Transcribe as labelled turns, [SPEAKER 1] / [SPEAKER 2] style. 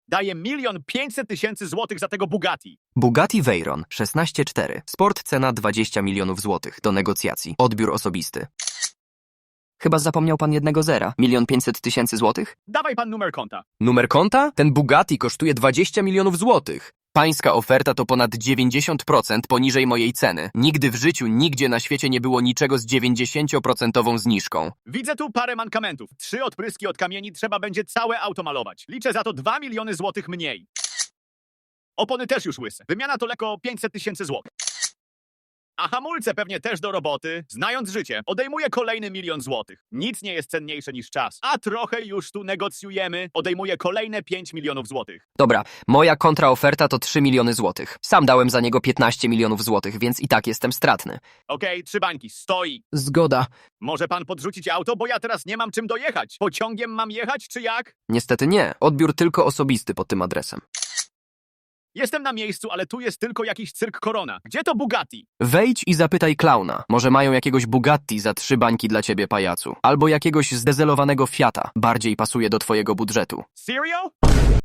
[SPEAKER 1] Daję 1 500 000 złotych za tego Bugatti.
[SPEAKER 2] Bugatti Veyron 16.4. Sport cena 20 milionów złotych. Do negocjacji. Odbiór osobisty. Chyba zapomniał pan jednego zera. 1 500 000 złotych?
[SPEAKER 1] Dawaj pan numer konta.
[SPEAKER 2] Numer konta? Ten Bugatti kosztuje 20 milionów złotych. Pańska oferta to ponad 90% poniżej mojej ceny. Nigdy w życiu, nigdzie na świecie nie było niczego z 90% zniżką.
[SPEAKER 1] Widzę tu parę mankamentów. 3 odpryski od kamieni, trzeba będzie całe auto malować. Liczę za to 2 miliony złotych mniej. Opony też już łyse. Wymiana to lekko 500 000 złotych. A hamulce pewnie też do roboty. Znając życie, odejmuję kolejny 1 milion złotych. Nic nie jest cenniejsze niż czas. A trochę już tu negocjujemy. Odejmuję kolejne 5 milionów złotych.
[SPEAKER 2] Dobra, moja kontraoferta to 3 miliony złotych. Sam dałem za niego 15 milionów złotych, więc i tak jestem stratny.
[SPEAKER 1] Okej, 3 bańki, stoi.
[SPEAKER 2] Zgoda.
[SPEAKER 1] Może pan podrzucić auto, bo ja teraz nie mam czym dojechać. Pociągiem mam jechać, czy jak?
[SPEAKER 2] Niestety nie. Odbiór tylko osobisty pod tym adresem.
[SPEAKER 1] Jestem na miejscu, ale tu jest tylko jakiś cyrk Korona. Gdzie to Bugatti?
[SPEAKER 2] Wejdź i zapytaj klauna. Może mają jakiegoś Bugatti za 3 bańki dla ciebie, pajacu. Albo jakiegoś zdezelowanego Fiata. Bardziej pasuje do twojego budżetu.
[SPEAKER 1] Serio?